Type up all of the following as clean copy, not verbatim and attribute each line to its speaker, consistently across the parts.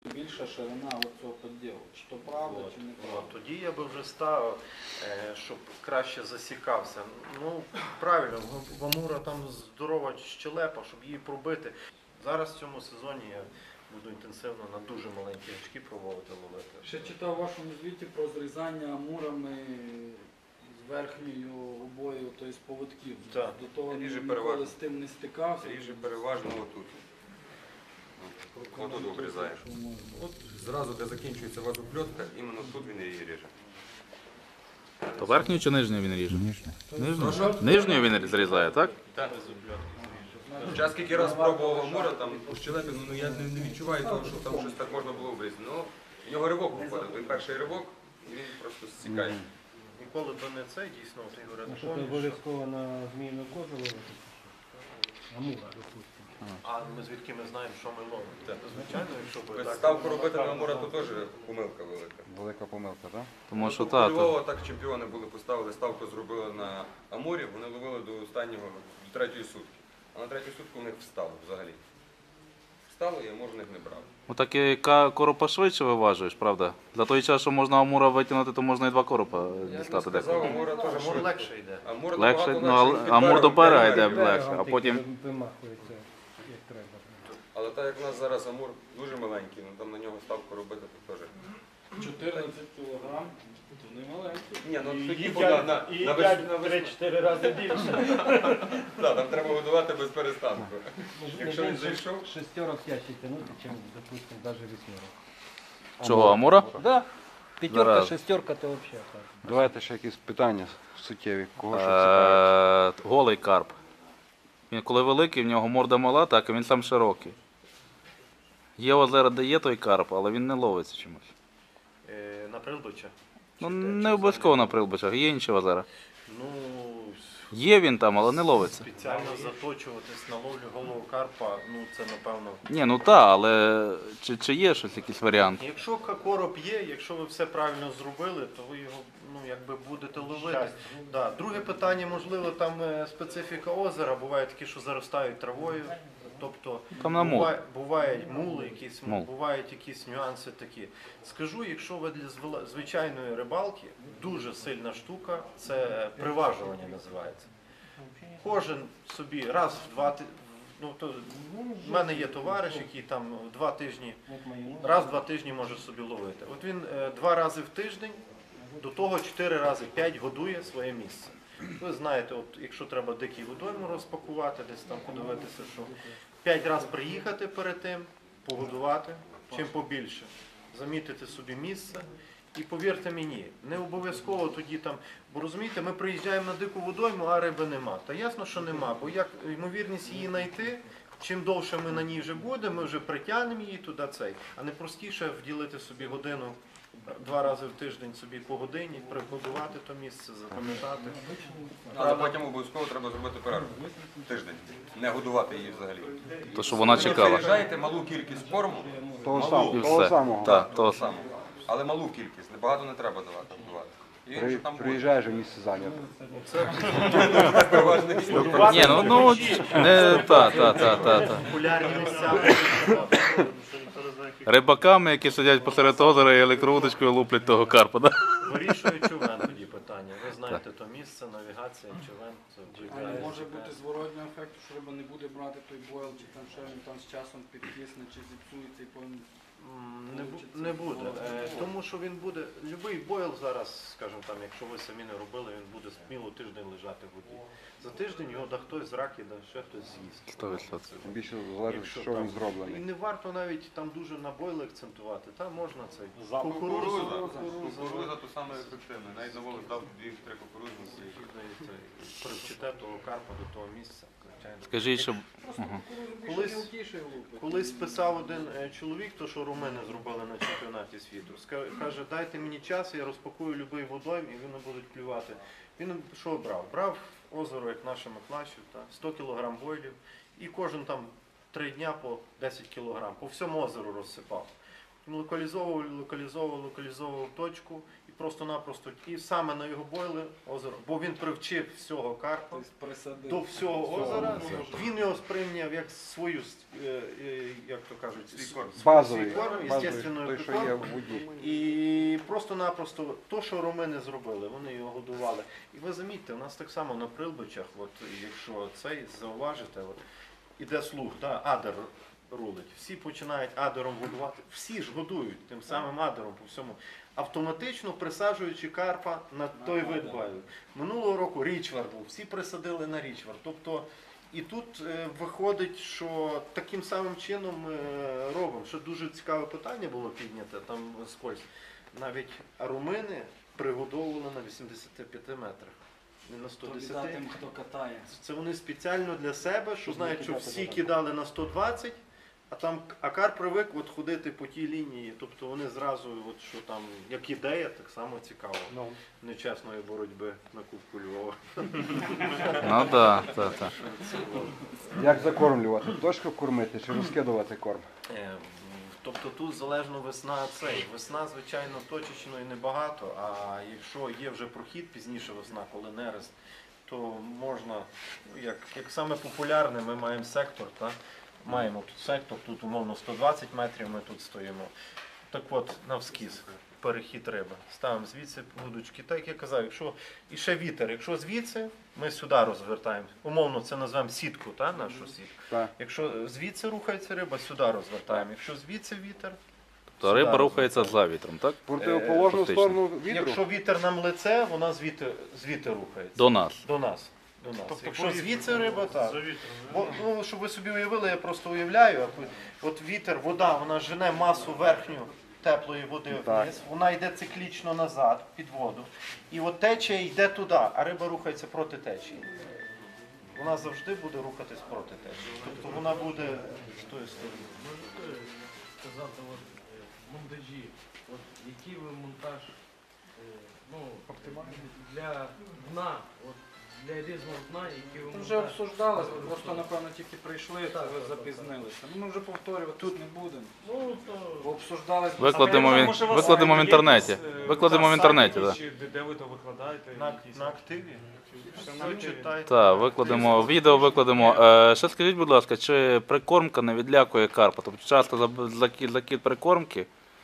Speaker 1: Більша ширина цього поділу, чи то правда, чи не правда.
Speaker 2: Тоді я би вже ставив, щоб краще засікався. Ну, правильно, в Амура там здорова щелепа, щоб її пробити. Зараз в цьому сезоні я буду інтенсивно на дуже маленькі гачки пробувати ловити.
Speaker 1: Ще читав у вашому звіті про зрізання амурами з верхньою губою, тобто з поводків.
Speaker 2: Так.
Speaker 1: До того
Speaker 3: Ріже
Speaker 1: ніколи
Speaker 3: переважно.
Speaker 1: з тим не стикався.
Speaker 3: Ріже переважно отут. Отут обрізаєш. От зразу, де закінчується вазопльотка, іменно тут він її ріже.
Speaker 4: То верхню чи нижню він ріже? Нижню. Нижню він зрізає, так?
Speaker 3: Так. Час скільки раз пробував Амура, там у щелепі, ну я не відчуваю того, що там щось так можна було обрізати. Ну, в нього ривок виходить, той перший ривок, і він просто зсікає.
Speaker 2: Ніколи би не це, дійсно, от Ігор
Speaker 5: А що ти обов'язково на зміїну кожу ловити? Амура, допустимо.
Speaker 2: А ми звідки ми знаємо, що ми ловимо? Звичайно, якщо би так.
Speaker 3: Ставку робити на Амура, то теж помилка велика.
Speaker 6: Велика помилка, так?
Speaker 4: Тому що
Speaker 3: У
Speaker 4: так.
Speaker 3: Львова так чемпіони були, поставили ставку, зробили на Амурі, вони ловили до останнього, до третьої сутки. А на третю сутку в них встало взагалі. Встало, і Амур в них не брав.
Speaker 4: Отак і коропа швидше виважуєш, правда? За той час, що можна Амура витягнути, то можна і два коропа
Speaker 3: Я б
Speaker 4: дістати
Speaker 3: сказав,
Speaker 4: деколи.
Speaker 3: Амура теж
Speaker 2: Амур
Speaker 3: швидко.
Speaker 2: легше йде.
Speaker 3: Амур
Speaker 4: Легше,
Speaker 3: набагато
Speaker 4: ну,
Speaker 3: легше,
Speaker 4: Амур
Speaker 3: він
Speaker 4: до пера
Speaker 3: берега
Speaker 4: йде
Speaker 3: берега.
Speaker 4: легше, а потім...
Speaker 5: Вимахується, як треба.
Speaker 3: Але так як у нас зараз Амур дуже маленький, ну там на нього ставку робити, то теж.
Speaker 1: 14 кілограм, то не маленький.
Speaker 3: Ні, ну тоді буде на весну.
Speaker 5: 3-4 рази більше.
Speaker 3: Так, там треба годувати без перестанку. Якщо він зайшов,
Speaker 5: Шестерок тяжче тягнути, ніж, допустимо, навіть вісьмерок.
Speaker 4: Чого, Амура?
Speaker 5: Да. П'ятерка,
Speaker 4: Зараз.
Speaker 5: шестерка, то взагалі так.
Speaker 6: Давайте ще якісь питання суттєві. Кого що цікавить?
Speaker 4: Голий карп. Він коли великий, в нього морда мала, так, і він сам широкий. Є озера, де є той карп, але він не ловиться чомусь.
Speaker 2: На Прилбича?
Speaker 4: Ну, не обов'язково на Прилбичах, є інші озера.
Speaker 2: Ну,
Speaker 4: Є він там, але не ловиться.
Speaker 2: спеціально заточуватись на ловлю голого карпа, ну це напевно.
Speaker 4: Ні, ну так, але чи є щось, якийсь варіант?
Speaker 2: Якщо короб є, якщо ви все правильно зробили, то ви його якби будете ловити. Да. Друге питання, можливо, там специфіка озера, буває такі, що заростають травою. Тобто
Speaker 4: Там на мул.
Speaker 2: бувають мули, якісь,
Speaker 4: Мул.
Speaker 2: бувають якісь нюанси такі. Скажу, якщо ви для звичайної рибалки, дуже сильна штука, це приважування називається. Кожен собі раз в два тижні, ну, то, в мене є товариш, який там 2 тижні, раз в 2 тижні може собі ловити. От він 2 рази в тиждень, до того 4 рази 5 годує своє місце. Ви знаєте, от якщо треба дикий водойму розпакувати, десь там подивитися, що 5 разів приїхати перед тим, погодувати, чим побільше, замітити собі місце. І повірте мені, не обов'язково тоді там, бо розумієте, ми приїжджаємо на дику водойму, а риби нема. Та ясно, що нема, бо як ймовірність її знайти, чим довше ми на ній вже будемо, ми вже притягнемо її туди цей, а не простіше вділити собі годину 2 рази в тиждень собі по годині, приготувати то місце, запам'ятати.
Speaker 3: але потім обов'язково треба зробити перерву. Тиждень. Не годувати її взагалі.
Speaker 4: То, що вона
Speaker 3: Ви
Speaker 4: чекала.
Speaker 3: приїжджаєте малу кількість корму,
Speaker 6: Того
Speaker 4: І
Speaker 6: того
Speaker 4: все.
Speaker 6: самого.
Speaker 4: Так,
Speaker 3: того
Speaker 4: то
Speaker 3: самого. Але малу кількість, небагато не треба давати. І він вже там буде.
Speaker 6: Приїжджаєш і місце зайнято.
Speaker 3: Переважний.
Speaker 4: Ні, ну, не, та.
Speaker 2: Популярні місця.
Speaker 4: Рибаками, які сидять посеред озера і електровудочкою луплять того карпа, да?
Speaker 2: Вирішує човен тоді питання. Ви знаєте то місце, навігація, човен.
Speaker 1: А не може бути зворотнього ефекту, що риба не буде брати той бойл, чи там ще він там з часом підкисне, чи зіпсується і потім...
Speaker 2: Не буде, тому що він буде, будь-який бойл зараз, скажімо там, якщо ви самі не робили, він буде сміло тиждень лежати в воді. За тиждень його да хтось з раки, да ще хтось з'їсть.
Speaker 4: 100%.
Speaker 6: Більше залежить,
Speaker 2: Якщо
Speaker 6: що
Speaker 2: там-
Speaker 6: він
Speaker 2: І
Speaker 6: зроблений.
Speaker 2: не варто навіть там дуже на бойли акцентувати, там можна цей
Speaker 3: Кукуруза.
Speaker 2: кукуруза,
Speaker 3: Кукуруза то саме ефективне. Навіть на волос дав 2-3 кукурузниці.
Speaker 2: привчите того карпа до того місця. звичайно.
Speaker 4: Скажіть, щоб...
Speaker 2: Колись писав один чоловік, то що румини зробили на чемпіонаті світу. Каже, дайте мені час, я розпакую будь-який водойм і вони будуть клювати. Він що брав? Брав озеро, як наше Маклачів, 100 кг бойлів і кожен там 3 дня по 10 кг, по всьому озеру розсипав. локалізовував точку і просто-напросто, і саме на його бойли озеро, бо він привчив всього карпа
Speaker 1: Тобто присадив.
Speaker 2: до всього озера, він його сприйняв як свою, як то кажуть,
Speaker 6: Базовий,
Speaker 2: свій корм, естественною
Speaker 6: той, що є в воді.
Speaker 2: і просто-напросто то, що румини зробили, вони його годували. І ви замітьте, у нас так само на Прилбичах, от, якщо цей зауважите, от, іде слух, адер рулить. Всі починають адером годувати. Всі ж годують тим самим адером по всьому. Автоматично присаджуючи карпа на той вид баю. Минулого року річвар був, всі присадили на річвар. Тобто, і тут виходить, що таким самим чином ми робимо. Що дуже цікаве питання було підняте, там скользь. Навіть румини пригодовували на 85 метрах. Не на
Speaker 1: То біда
Speaker 2: 110.
Speaker 1: тим, хто катає.
Speaker 2: Це вони спеціально для себе, що
Speaker 5: Щоб
Speaker 2: знають,
Speaker 5: не
Speaker 2: що
Speaker 5: кидати
Speaker 2: всі
Speaker 5: далеко.
Speaker 2: кидали на 120, а карп привик от ходити по тій лінії. Тобто вони зразу, от, що там, як ідея, так само цікаво.
Speaker 5: Ну,
Speaker 2: Нечесної боротьби на Кубку Львова.
Speaker 4: Ну так, так.
Speaker 6: Як закормлювати? Точку кормити чи розкидувати корм?
Speaker 2: Тобто тут залежно весна цей. Весна, звичайно, точечно і небагато, а якщо є вже прохід пізніше весна, коли нерест, то можна, як саме популярне, ми маємо сектор, маємо тут сектор, тут умовно 120 метрів ми тут стоїмо. Так от, навскіз, перехід риби. Ставимо звідси вудочки. Так як я казав, якщо і ще вітер, якщо звідси, ми сюди розвертаємо. Умовно це назвемо сітку, нашу сітку.
Speaker 6: Так.
Speaker 2: Якщо звідси рухається риба, сюди розвертаємо. Якщо звідси вітер,
Speaker 4: То риба рухається за вітром, так?
Speaker 6: В противоположну
Speaker 4: фактично.
Speaker 6: сторону вітру?
Speaker 2: якщо вітер нам лице, вона звідти рухається.
Speaker 4: До нас.
Speaker 2: До нас. Якщо звідси риба, так.
Speaker 7: За вітром.
Speaker 2: Бо, щоб ви собі уявили, я просто уявляю, от вітер, вода, вона жене масу верхню теплої води
Speaker 6: Так.
Speaker 2: вниз, вона йде циклічно назад, під воду, і от течія йде туди, а риба рухається проти течії. Вона завжди буде рухатись проти течії. Тобто вона буде з тої сторони.
Speaker 7: Можете сказати, от, монтажі, от, який ви монтаж для дна, от, для різного дна, який ви
Speaker 1: Ми вже
Speaker 7: монтаж?
Speaker 1: обсуждали, просто напевно тільки прийшли, то ви запізнилися. Ну, ми вже повторювати тут не будемо.
Speaker 7: Ну, то...
Speaker 1: Бо обсуждали
Speaker 4: Викладемо
Speaker 7: Я
Speaker 4: в,
Speaker 7: думаю, що у вас
Speaker 4: викладемо в
Speaker 7: є
Speaker 4: інтернеті.
Speaker 7: якісь,
Speaker 4: Викладемо в
Speaker 7: сайт
Speaker 4: інтернеті,
Speaker 7: якийсь,
Speaker 4: так.
Speaker 7: чи де ви то викладаєте? якісь?
Speaker 2: На активі.
Speaker 7: Все
Speaker 2: Всі
Speaker 7: на активі.
Speaker 2: читайте.
Speaker 4: Так, викладемо, відео викладемо. Ще скажіть, будь ласка, чи прикормка не відлякує карпа? Тобто часто закид прикормки?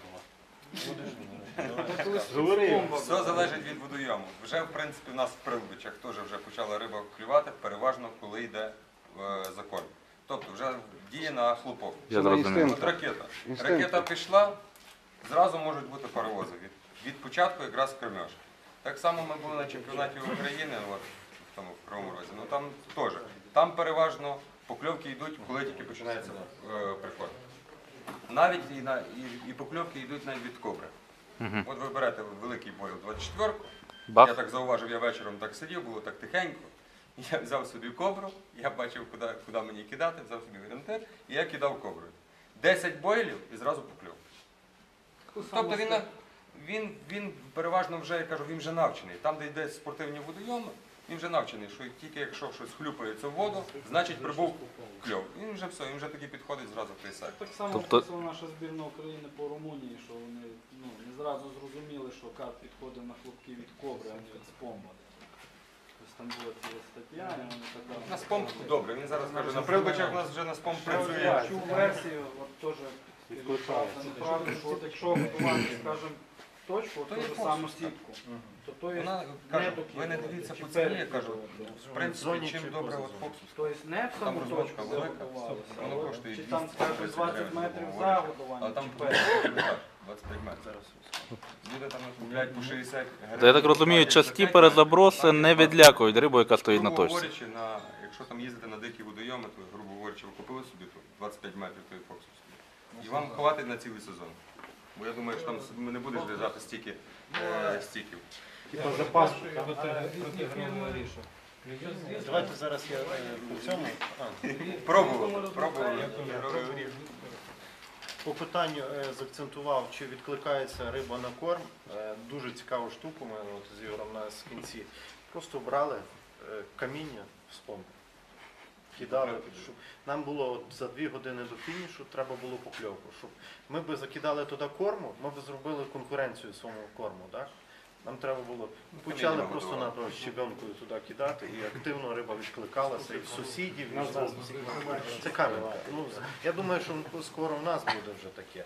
Speaker 3: Все залежить від водойому. Вже, в принципі, в нас в Прилбичах теж вже почала риба клювати, переважно, коли йде закорм. Тобто вже діє на хлопок.
Speaker 4: Я
Speaker 6: Це на
Speaker 4: зрозумів.
Speaker 6: інстинкт.
Speaker 3: От ракета.
Speaker 6: Інстинкти.
Speaker 3: Ракета пішла, зразу можуть бути паровози. Від початку якраз кормеж. Так само ми були на чемпіонаті України, от, в тому в Кривому Розі. Ну там теж. Там переважно покльовки йдуть, коли тільки починається приход. Навіть і покльовки йдуть навіть від кобри.
Speaker 4: Мгм.
Speaker 3: От ви берете великий бойл 24-ку. Я
Speaker 4: Бах.
Speaker 3: так зауважив, я вечором так сидів, було так тихенько. Я взяв собі кобру, я бачив, куди мені кидати, взяв собі орієнтир, і я кидав коброю. 10 бойлів і зразу покльов. Тобто він переважно вже, я кажу, він вже навчений. Там, де йде спортивні водойоми, він вже навчений, що тільки якщо щось хлюпається в воду, значить прибув кльов. Він вже все, він вже тоді підходить зразу в той сектор.
Speaker 1: Так само
Speaker 4: Тобто-
Speaker 1: описала наша збірна України по Румунії, що вони не зразу зрозуміли, що карп підходить на хлопки від кобри, а не від спомба. Тобто там була ціла стаття, і вони така...
Speaker 3: На спомп добре, він зараз каже, на Прилбичах у нас вже на спомп працює.
Speaker 1: Я чув версію, от теж правда, що от якщо готувати, скажімо, точку, от
Speaker 3: То
Speaker 1: ту
Speaker 3: є
Speaker 1: ж
Speaker 3: фокус,
Speaker 1: саму
Speaker 3: так.
Speaker 1: сітку, то то є
Speaker 3: Вона
Speaker 1: не
Speaker 3: каже,
Speaker 1: до
Speaker 3: ви не
Speaker 1: кіла,
Speaker 3: дивіться
Speaker 1: чи
Speaker 3: по ціні, я
Speaker 1: перед
Speaker 3: кажу,
Speaker 1: кілом.
Speaker 3: в принципі,
Speaker 2: зоні
Speaker 3: чим
Speaker 2: чи
Speaker 3: добре
Speaker 2: поза
Speaker 3: от
Speaker 2: зоною?
Speaker 3: фокус.
Speaker 1: Тобто не в
Speaker 3: Там
Speaker 1: саму
Speaker 3: розлочка
Speaker 1: точку, де
Speaker 3: велика,
Speaker 1: готувалося,
Speaker 3: воно коштує
Speaker 1: чи там,
Speaker 3: 200,
Speaker 1: скажімо,
Speaker 3: 30
Speaker 1: 20
Speaker 3: гривень,
Speaker 1: метрів
Speaker 3: грубо
Speaker 1: за
Speaker 3: говоря.
Speaker 1: годування,
Speaker 3: А там
Speaker 1: чи перед.
Speaker 3: 25 метрів. Люди там купляють по 60 гривень.
Speaker 4: То я так розумію, часті перезаброси не відлякують рибу, яка стоїть на
Speaker 3: Грубо
Speaker 4: точці.
Speaker 3: говорячи, якщо там їздити на дикі водойоми, то, грубо говорячи, ви купили собі тут 25 метрів той фокус собі. І вам хватить на цілий сезон. Бо я думаю, що там не будеш лежати стільки стіків.
Speaker 2: Типа запасу.
Speaker 1: Різні фірми рішать.
Speaker 2: Давайте зараз я по цьому.
Speaker 3: Пробували.
Speaker 2: По питанню заакцентував, чи відкликається риба на корм. Дуже цікаву штуку ми от з Ігорем на кінці. Просто брали каміння в спомб. кидали. Щоб нам було от за 2 години до фінішу треба було покльовку. Щоб ми би закидали туди корму, ми б зробили конкуренцію своєму корму. Так? Нам треба було, почали
Speaker 3: мінімум
Speaker 2: просто
Speaker 3: готувати.
Speaker 2: на щебенкою туди кидати, і активно риба відкликалася, і в сусідів, і в це кам'янка. Ну, я думаю, що скоро в нас буде вже таке.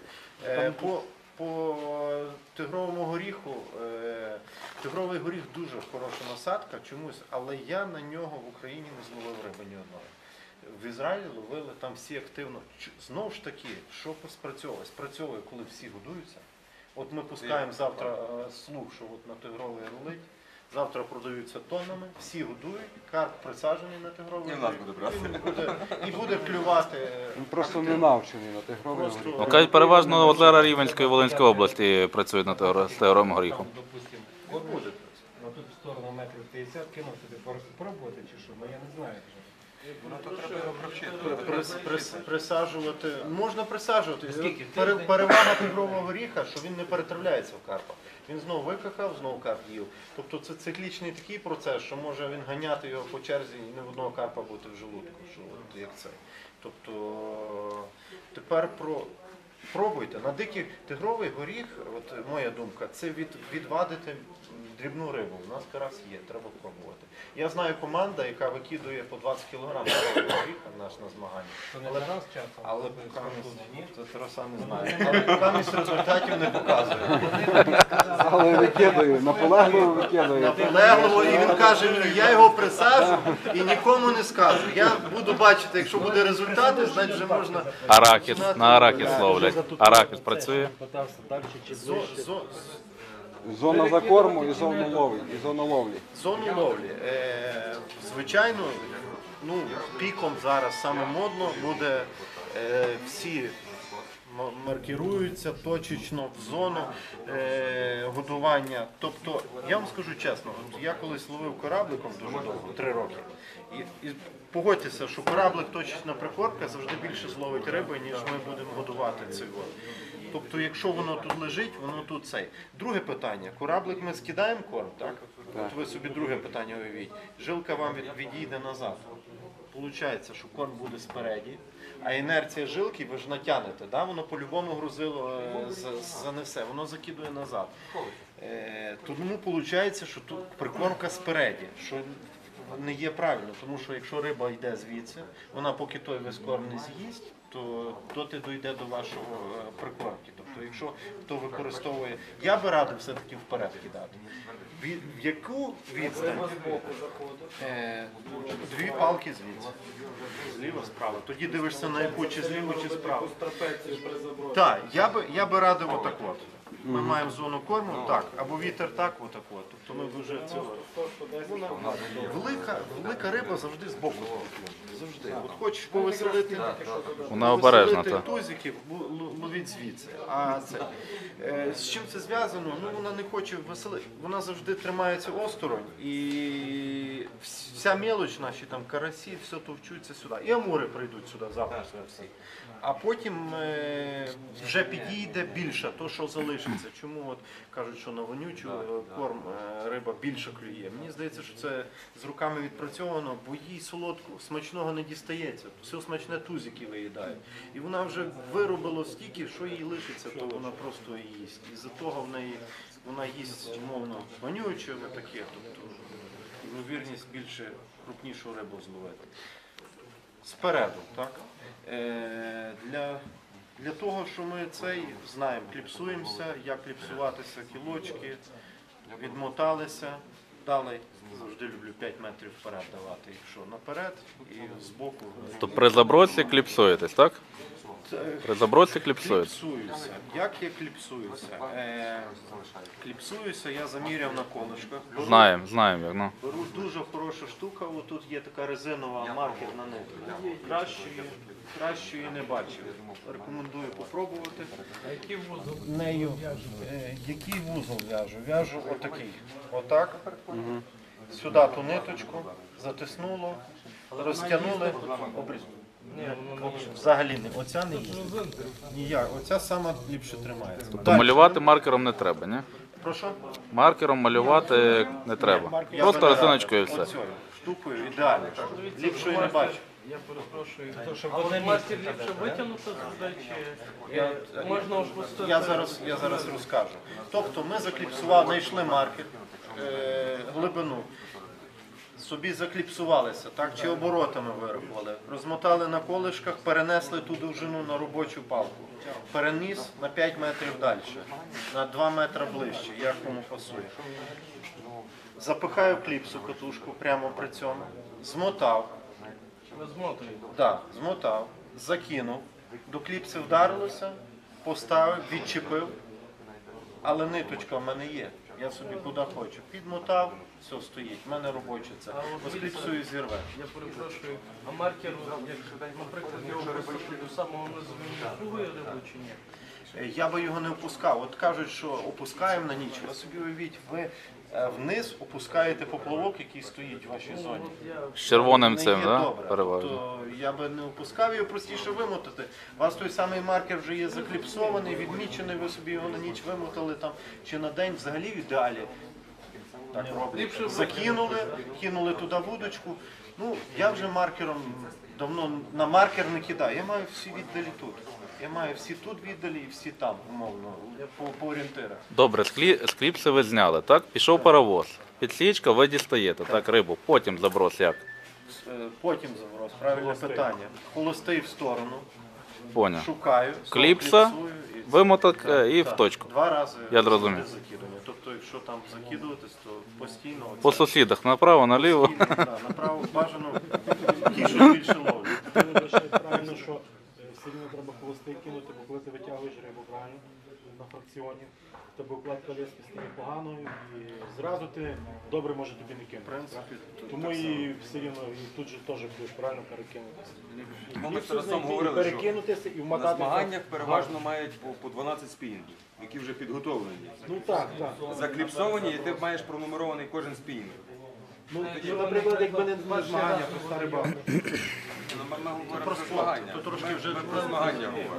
Speaker 2: По тигровому горіху, тигровий горіх дуже хороша насадка чомусь, але я на нього в Україні не зловив риби ні одної. В Ізраїлі ловили там всі активно. Знову ж таки, що спрацьовує? Спрацьовує, коли всі годуються. От ми пускаємо завтра слух, що от на тигровий рулить, завтра продаються тоннами, всі годують, карп присаджений на тигровий
Speaker 3: І в нас
Speaker 2: рулить,
Speaker 3: буде брати.
Speaker 2: він буде клювати.
Speaker 6: Він просто не навчений на тигровий
Speaker 2: Просто-
Speaker 6: горіх.
Speaker 4: Ну, кажуть, переважно озера Рівненської і Волинської області працюють з тигровим горіхом.
Speaker 5: Там, допустим,
Speaker 2: От буде.
Speaker 5: на ту сторону метрів 50 кинув собі пробувати чи що, бо я не знаю.
Speaker 3: Ну, то треба його провчити.
Speaker 2: Присаджувати. Можна присаджувати.
Speaker 5: Скільки?
Speaker 2: Перевага тигрового горіха, що він не перетравляється в карпа. Він знову викахав, знову карп їв. Тобто це циклічний такий процес, що може він ганяти його по черзі і не в одного карпа бути в желудку. Що от як це. Тобто тепер пробуйте. На дикий тигровий горіх, от моя думка, це відвадити дрібну рибу. У нас карась є, треба пробувати. Я знаю команда, яка викидує по 20 кг тигрового горіха на змагання.
Speaker 5: То не
Speaker 2: Але-
Speaker 5: раз часом.
Speaker 2: Але
Speaker 5: тут ні.
Speaker 2: це Тараса не знає. Але камість результатів не показує.
Speaker 6: Але викидаю, наполегливо викидаю.
Speaker 2: Наполегливо, і він каже мені, я його присаджу і нікому не скажу. Я буду бачити, якщо буде результати, значить вже можна.
Speaker 4: Арахіс, на арахіс ловлять. Арахіс працює.
Speaker 5: Питався далі чи ближче.
Speaker 6: Зона закорму і зона ловлі. І зона ловлі.
Speaker 2: Зону ловлі. Звичайно, ну, піком зараз саме модно буде всі маркіруються точечно в зону годування. Тобто, я вам скажу чесно, от я колись ловив корабликом дуже довго, 3 роки. І погодьтеся, що кораблик точечна прикормка завжди більше зловить риби, ніж ми будемо годувати цей вод. Тобто, якщо воно тут лежить, воно тут цей. Друге питання. Кораблик ми скидаємо корм, так? От ви собі друге питання уявіть. Жилка вам відійде назад. Получається, що корм буде спереді, а інерція жилки ви ж натягнете, да? Воно по-любому грузило занесе, воно закидує назад. Тому виходить, що тут прикормка спереді, що не є правильно, тому що якщо риба йде звідси, вона поки той весь корм не з'їсть, то доти дійде до вашого прикормки. Тобто, якщо хто використовує, я би радив все-таки вперед кидати. В яку відстань? 2 палки звідси. Зліва, справа. Тоді дивишся на яку, чи зліва, чи справа. Так, я би радив отак от. Ми маємо зону корму, так, або вітер так, отак от. Тобто ми вже цього. Велика риба завжди з боку. Завжди. От хочеш повеселити,
Speaker 4: Вона обережна,
Speaker 2: повеселити
Speaker 4: так.
Speaker 2: тузиків, ловіть звідси. А це, з чим це зв'язано? Ну, вона не хоче веселити. Вона завжди тримається осторонь. І вся мелоч, наші там карасі, все товчуться сюди. І амури прийдуть сюди завтра всі. А потім вже підійде більше, то що залишиться. Чому от кажуть, що на вонючу корм риба більше клює? Мені здається, що це з руками відпрацьовано, бо їй солодку, смачного не дістається. Все смачне тузики виїдають. І вона вже виробила стільки, що їй лишиться, то вона просто їсть. І за того вона їсть, умовно, вонюче, таке, тобто ймовірність більше крупнішу рибу зловити. Спереду, так? Для того, що ми цей знаємо, кліпсуємося, як кліпсуватися, кілочки, відмоталися, дали, завжди люблю 5 метрів вперед давати, якщо наперед і збоку.
Speaker 4: То при забросі кліпсуєтесь, так? При забросі кліпсуєтесь.
Speaker 2: Кліпсуюся. Як я кліпсуюся? Кліпсуюся, я заміряв на колишках.
Speaker 4: Знаємо як, ну.
Speaker 2: Беру дуже хороша штука, отут є така резинова маркерна нитка. Кращої не бачив. Рекомендую попробувати. Нею, який вузол в'яжу? В'яжу отакий. Отак. Сюди ту ниточку, затиснуло, розтягнули, обрізали. Взагалі не. Оця не їздить. Ніяк. Оця сама ліпше тримається.
Speaker 4: То малювати маркером не треба, ні?
Speaker 2: Прошу?
Speaker 4: Маркером малювати не треба.
Speaker 2: Я
Speaker 4: Просто
Speaker 2: би не
Speaker 4: резиночкою і
Speaker 2: радив.
Speaker 4: все.
Speaker 2: Оцею штукою ідеально. Ліпшої не бачу.
Speaker 7: Я перепрошую.
Speaker 5: щоб
Speaker 7: А
Speaker 5: в одне
Speaker 7: от мастер
Speaker 5: місце
Speaker 7: ліпше
Speaker 5: кидати,
Speaker 7: витягнути туди, чи
Speaker 2: Я-
Speaker 7: можна опустити?
Speaker 2: Я зараз розкажу. Тобто ми закліпсували, знайшли маркер, глибину, собі закліпсувалися, так, чи оборотами вирахували, розмотали на колишках, перенесли ту довжину на робочу палку, переніс на 5 метрів далі, на 2 метри ближче, як кому пасує. Запихаю кліпсу катушку прямо при цьому, змотав.
Speaker 7: Ви змотуєте.
Speaker 2: Так, змотав, закинув, до кліпси вдарилося, поставив, відчепив, але ниточка в мене є. Я собі куди хочу. Підмотав, все стоїть. В мене робоче це. Бо з кліпсою зірве.
Speaker 7: Я перепрошую, а маркер, як, наприклад, його висоти до самого низу, він слугує рибу чи ні?
Speaker 2: Я би його не опускав. От кажуть, що опускаємо на ніч. Ви собі уявіть, ви вниз опускаєте поплавок, який стоїть в вашій зоні.
Speaker 4: З червоним
Speaker 2: Не
Speaker 4: цим,
Speaker 2: є
Speaker 4: да?
Speaker 2: добре.
Speaker 4: Переважно.
Speaker 2: Тобто я би не опускав його, простіше вимотати. У вас той самий маркер вже є закліпсований, відмічений, ви собі його на ніч вимотали там, чи на день взагалі в ідеалі. Так роблять. Закинули, кинули туди вудочку. Ну, я вже маркером давно на маркер не кидаю. Я маю всі віддалі тут. Я маю всі тут віддалі і всі там, умовно, по орієнтирах.
Speaker 4: Добре, з кліпси ви зняли, так? Пішов паровоз. Підсічка, ви дістаєте, так, рибу. Потім заброс як?
Speaker 2: Потім заброс, правильне питання. Холостий в сторону,
Speaker 4: Поняв.
Speaker 2: шукаю,
Speaker 4: Кліпса,
Speaker 2: кліпсую і-
Speaker 4: вимоток і в
Speaker 2: Так,
Speaker 4: точку.
Speaker 2: 2 рази
Speaker 4: Я зрозумів.
Speaker 2: буде закидання. Тобто, якщо там закидуватись, то постійно оце-
Speaker 4: По сусідах, направо, наліво.
Speaker 2: постійно, да, направо бажано ті, що більше ловлять.
Speaker 5: Ти вважаєш правильно, що все рівно треба холостий кинути, бо коли ти витягуєш рибу правильно на фракціоні, в тебе укладка лески стає поганою і зразу ти добре може тобі не
Speaker 2: В
Speaker 5: кинути.
Speaker 2: принципі,
Speaker 5: Тому і все рівно і тут же теж будеш правильно перекинутися.
Speaker 3: Ми
Speaker 5: І
Speaker 3: з
Speaker 5: все
Speaker 3: Тарасом
Speaker 5: знайти, і
Speaker 3: говорили, що
Speaker 5: перекинутися і
Speaker 3: на
Speaker 5: вмотати.
Speaker 3: змаганнях переважно мають по 12 спінінгів, які вже підготовлені.
Speaker 5: Ну так, так.
Speaker 3: Закліпсовані, і ти маєш пронумерований кожен спінінг.
Speaker 5: Ну, наприклад, якби не змагання, то старий баб.
Speaker 3: Ми говоримо про
Speaker 2: спорт,
Speaker 3: змагання.
Speaker 2: то трошки вже
Speaker 3: Ми про змагання говоримо.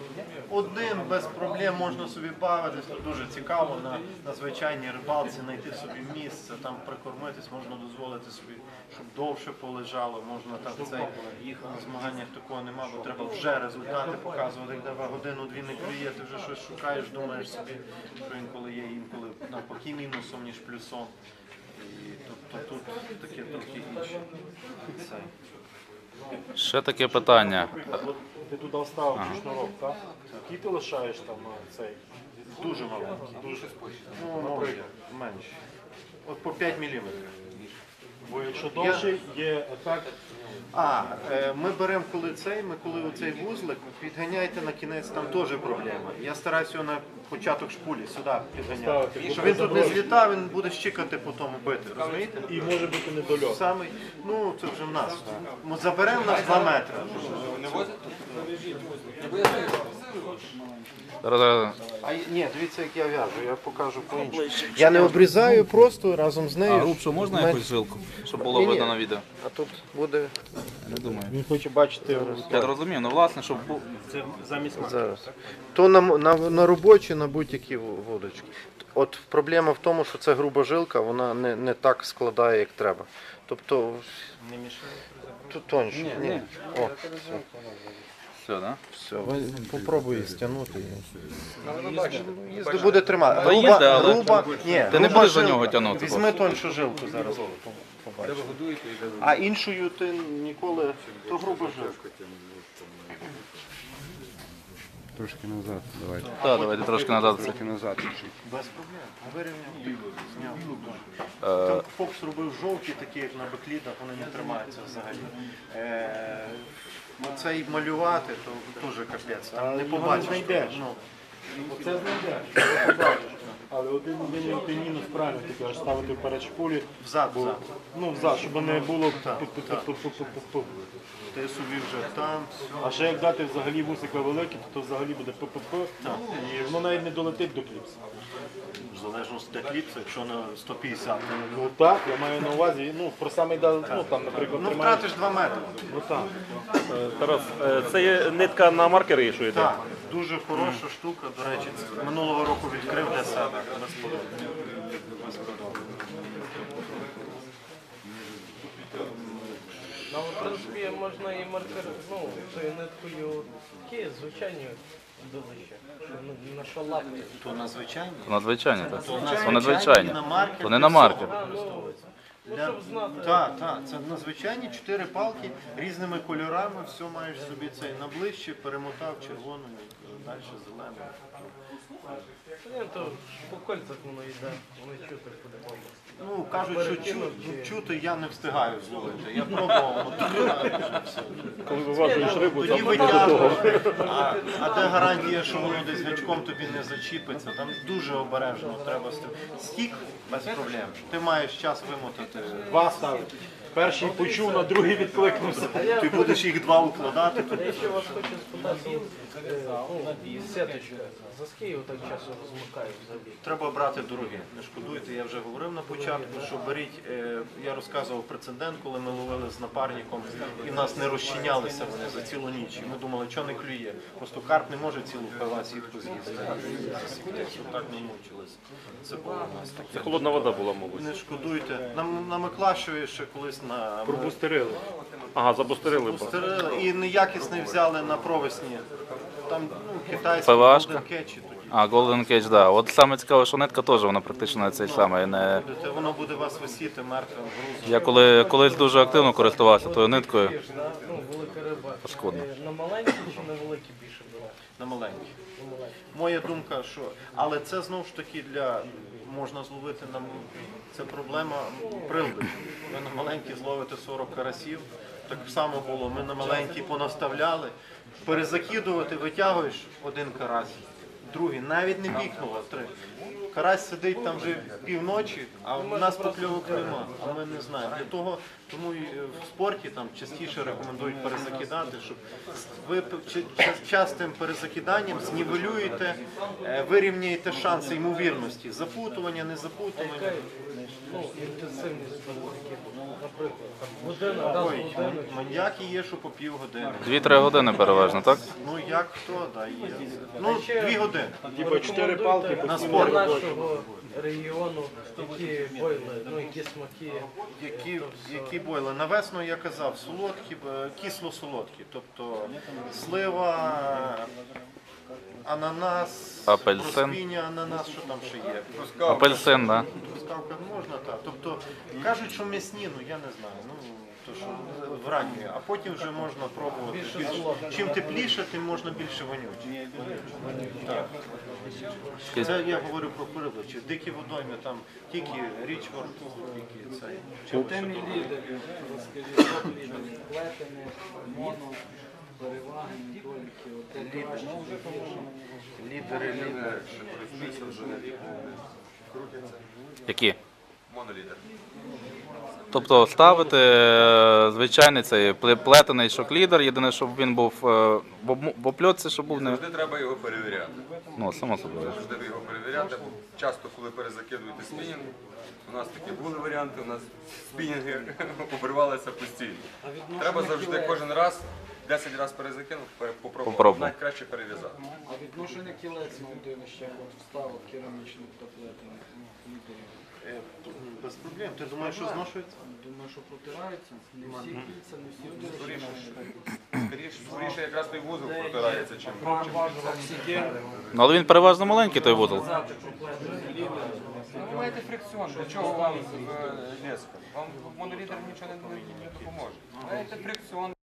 Speaker 2: один без проблем можна собі бавитись, то дуже цікаво на звичайній рибалці знайти собі місце, там прикормитись, можна дозволити собі, щоб довше полежало, можна там цей їх на змаганнях такого нема, бо треба вже результати показувати, як тебе годину-дві не клює, ти вже щось шукаєш, думаєш собі, що інколи є, інколи навпаки мінусом, ніж плюсом. І тобто тут таке трохи інше. Цей.
Speaker 4: Ще таке питання.
Speaker 5: От ти туди вставив шнурок, так? Який ти лишаєш там цей?
Speaker 2: Дуже маленький.
Speaker 5: Дуже
Speaker 2: Ну, може, менше. От по 5 мм.
Speaker 5: Бо якщо довший, є ефект.
Speaker 2: Ми беремо коли оцей вузлик, підганяйте на кінець, там теж проблема. Я стараюся його на початок шпулі сюди підганяти.
Speaker 5: Ставити.
Speaker 2: Щоб він тут не злітав, він буде щикати, потім бити, розумієте?
Speaker 5: І може бути недольот.
Speaker 2: Самий, ну це вже в нас. Ми заберемо на 2 метри.
Speaker 4: Зараз-
Speaker 2: Ні, дивіться, як я в'яжу, я покажу по-іншому. Я не обрізаю, просто разом з нею.
Speaker 4: А грубшу можна якусь жилку, щоб було
Speaker 2: Ні-ні.
Speaker 4: видно на відео?
Speaker 2: А тут буде
Speaker 4: Не думаю.
Speaker 5: Він хоче бачити
Speaker 4: Я зрозумів, ну власне, щоб
Speaker 5: це замість
Speaker 2: зараз. То на робочі, на будь-які вудочки. От проблема в тому, що ця груба жилка, вона не так складає, як треба. Тобто
Speaker 5: не мішає.
Speaker 2: тут тоньше. Ні. О,
Speaker 4: все, да?
Speaker 2: все. Попробуй стягнути. Їзди буде тримати.
Speaker 4: Та їзди, але
Speaker 2: ні,
Speaker 4: ти не
Speaker 2: груба
Speaker 4: будеш за
Speaker 2: жилка.
Speaker 4: нього тягнути
Speaker 2: Візьми тоньшу жилку зараз. Побачиш. А іншою ти ніколи, то груба жилка.
Speaker 6: Трошки назад, давайте.
Speaker 4: Так, давайте трошки назад.
Speaker 6: Трошки назад. чуть-чуть.
Speaker 2: Без проблем. Вирівняв, зняв. Там Фокс робив жовті, такі як на беклідах, вони не тримаються взагалі. Оцей малювати, то теж капець. Там не
Speaker 5: його не
Speaker 2: побачиш.
Speaker 5: знайдеш.
Speaker 2: Ну,
Speaker 5: Оце знайдеш. Але один мінус правильно ти кажеш, ставити вперед шпулі.
Speaker 2: взад,
Speaker 5: Бо,
Speaker 2: взад.
Speaker 5: ну, взад, щоб не було
Speaker 2: Так,
Speaker 5: пу-пу-пу-пу-пу-пу.
Speaker 2: Ти собі вже там.
Speaker 5: А ще як дати взагалі вусика великі, то взагалі буде пу-пу-пу. І воно навіть не долетить до кліпса.
Speaker 2: В залежності від кліпса, якщо на 150.
Speaker 5: Ну так, я маю на увазі, ну, про самий ну там, наприклад,
Speaker 2: Ну
Speaker 5: тримаєш.
Speaker 2: втратиш 2 метри.
Speaker 5: Ну так.
Speaker 8: Тарас, це є нитка на маркери, якщо йде?
Speaker 2: Так, дуже хороша штука, до речі, минулого року відкрив для себе. Безподобно.
Speaker 7: Ну, в принципі, можна і маркер, ну, тою ниткою такі звичайні долища. На що лапки.
Speaker 2: То надзвичайні.
Speaker 4: Надзвичайні, так.
Speaker 2: То
Speaker 4: То надзвичайні.
Speaker 2: на маркер.
Speaker 4: То не на маркер.
Speaker 7: А, ну, щоб знати.
Speaker 2: Так, це надзвичайні 4 палки різними кольорами, все маєш собі цей наближче, перемотав червоною, далі зеленою.
Speaker 7: Ні, то по кольцах воно йде, вони чути по-любому.
Speaker 2: Ну, кажуть, що чути я не встигаю зловити. Я пробував, все.
Speaker 8: Коли виважуєш рибу,
Speaker 2: Тоді
Speaker 8: там
Speaker 2: витягуєш. А де гарантія, що воно десь гачком тобі не зачіпиться? Там дуже обережно треба стік без проблем. Ти маєш час вимотати.
Speaker 5: Два ставити. Перший почув, на другий відкликнувся.
Speaker 2: Ти будеш їх 2 укладати.
Speaker 7: Я ще вас хочу спитати, сеточка, за скільки так часу розмикають взагалі?
Speaker 2: Треба брати дорогі, не шкодуйте, я вже говорив на початку, що беріть, я розказував прецедент, коли ми ловили з напарником, і в нас не розчинялися вони за цілу ніч. І ми думали, що не клює. Просто карп не може цілу пила сітку з'їсти. Так не мучились. Це було у нас
Speaker 8: це
Speaker 2: таке.
Speaker 8: холодна вода була, мабуть.
Speaker 2: Не шкодуйте. На Миклашеві ще колись на
Speaker 5: Пробустерили.
Speaker 8: Ага, забустерили.
Speaker 2: Пустерили і неякісний взяли на провесні. Там китайський
Speaker 4: ПВАшка?
Speaker 2: Golden Catch тоді.
Speaker 4: А, Golden Cage, да. От саме цікаве, що нитка теж, вона практично цей самий. Не...
Speaker 2: Воно буде вас висіти мертвим грузом.
Speaker 4: Я колись дуже активно користувався тою ниткою.
Speaker 7: Ну, велика риба.
Speaker 4: Паскудно.
Speaker 7: На маленькі чи на великі більше бере?
Speaker 2: На маленькі. Моя думка, що. Але це знову ж таки можна зловити на це проблема прилби. Ви на маленькі зловите 40 карасів. Так само було. Ми на маленькі понаставляли. Перезакидувати, витягуєш один карась, другий, навіть не пікнуло, 3. Карась сидить там вже півночі, а в нас покльовок нема, а ми не знаємо. Тому і в спорті там частіше рекомендують перезакидати, щоб ви частим перезакиданням знівелюєте, вирівняєте шанси ймовірності. Запутування, не запутування.
Speaker 7: Ну, інтенсивність великих, наприклад, там година, раз в
Speaker 2: Ой,
Speaker 7: годину.
Speaker 2: маньяки є, що по півгодини.
Speaker 4: 2-3 години переважно, так?
Speaker 2: Ну як хто, да, є. Ну, 2 години.
Speaker 5: Типа 4 палки
Speaker 7: Рекомендуйте
Speaker 2: на
Speaker 7: для
Speaker 2: спорт.
Speaker 7: нашого регіону, які бойли, ну, які смаки.
Speaker 2: Які бойли? На весну я казав, солодкі, кисло-солодкі. Тобто слива, ананас,
Speaker 4: Апельсин.
Speaker 2: розпіння, ананас, що там ще є.
Speaker 4: Апельсин, да.
Speaker 2: Трускавка можна, так. Тобто кажуть, що м'ясні, ну я не знаю. Ну, то що вранньої, а потім вже можна пробувати. Чим тепліше, тим можна більше вонючі. Так. Це я говорю про перебичі. Дикі водойми, там тільки Річфорд, тільки цей.
Speaker 1: Темні лідери, розкажіть, що лідери, плетені, моно, переваги, недоліки, от де краще, де гірше.
Speaker 2: Лідери.
Speaker 4: Які?
Speaker 3: Монолідер.
Speaker 4: Тобто ставити звичайний цей плетений шок-лідер, єдине, щоб він був в опльотці, щоб був не...
Speaker 3: Завжди треба його перевіряти.
Speaker 4: Ну, само собою.
Speaker 3: Завжди його перевіряти, бо часто, коли перезакидуєте спінінг, у нас такі були варіанти, у нас спінінги обривалися постійно. Треба завжди кожен раз, 10 разів перезакинув, попробувати.
Speaker 4: Попробуй.
Speaker 3: Навіть краще перев'язати.
Speaker 1: А відношення кілець на удилище, от вставок керамічних та плетених лідерів.
Speaker 2: Без проблем. Ти думаєш, що зношується?
Speaker 1: Думаю, що протираються. Не всі кільця, не всі удилища.
Speaker 3: Скоріше якраз той вузол протирається, чим
Speaker 4: Ну, але він переважно маленький, той вузол.
Speaker 3: ви маєте фрикціон. Для чого вам леска? Вам монолідер нічого не допоможе. Маєте фрикціон.